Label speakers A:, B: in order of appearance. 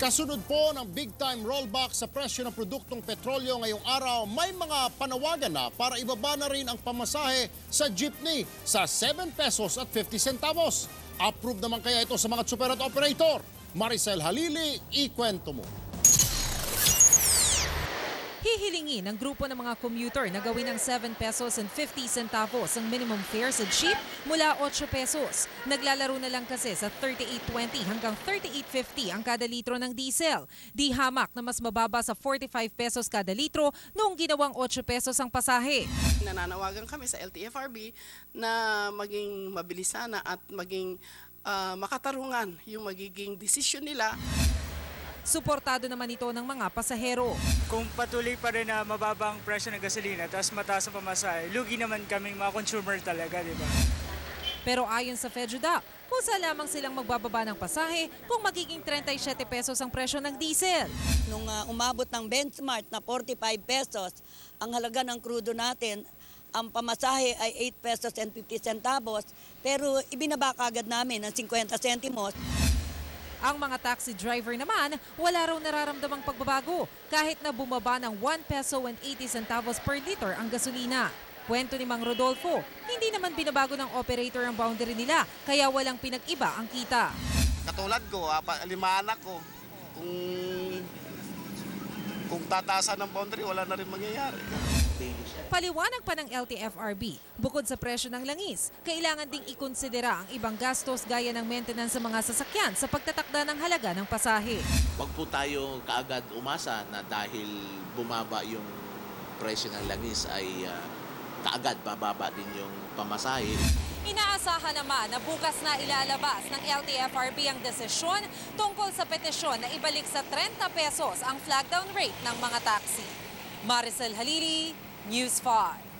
A: Kasunod po ng big-time rollback sa presyo ng produktong petrolyo ngayong araw, may mga panawagan na para ibaba na rin ang pamasahe sa jeepney sa 7 pesos at 50 centavos. Approve naman kaya ito sa mga super at operator? Maricel Halili, ikwento mo.
B: Hihilingin ng grupo ng mga commuter na gawin ng 7 pesos and 50 centavos ang minimum fare sa jeep mula 8 pesos. Naglalaro na lang kasi sa 38.20 hanggang 38.50 ang kada litro ng diesel. Di hamak na mas mababa sa 45 pesos kada litro noong ginawang 8 pesos ang pasahe.
C: Nananawagan kami sa LTFRB na maging mabilis sana at maging makatarungan yung magiging desisyon nila.
B: Suportado naman ito ng mga pasahero.
D: Kung patuloy pa rin na mababa ang presyo ng gasolina tapos mataas ang pamasahe, lugi naman kaming mga consumer talaga, di ba?
B: Pero ayon sa FEDUDAP, kusa lamang silang magbababa ng pasahe kung magiging 37 pesos ang presyo ng diesel.
E: Nung umabot ng benchmark na 45 pesos, ang halaga ng krudo natin, ang pamasahe ay 8 pesos and 50 centavos, pero ibinaba kagad namin ng 50 centimos.
B: Ang mga taxi driver naman, wala raw nararamdamang pagbabago kahit na bumaba ng 1 peso and 80 centavos per liter ang gasolina. Kwento ni Mang Rodolfo, hindi naman binabago ng operator ang boundary nila kaya walang pinag-iba ang kita.
F: Katulad ko, 5 anak ko, kung tataasan ng boundary, wala na rin mangyayari.
B: Paliwanag pa ng LTFRB, bukod sa presyo ng langis, kailangan ding ikonsidera ang ibang gastos gaya ng maintenance sa mga sasakyan sa pagtatakda ng halaga ng pasahe.
G: Huwag po tayo kaagad umasa na dahil bumaba yung presyo ng langis ay kaagad bababa din yung pamasahe.
B: Inaasahan naman na bukas na ilalabas ng LTFRB ang desisyon tungkol sa petisyon na ibalik sa 30 pesos ang flag down rate ng mga taxi. Maricel Halili, News 5.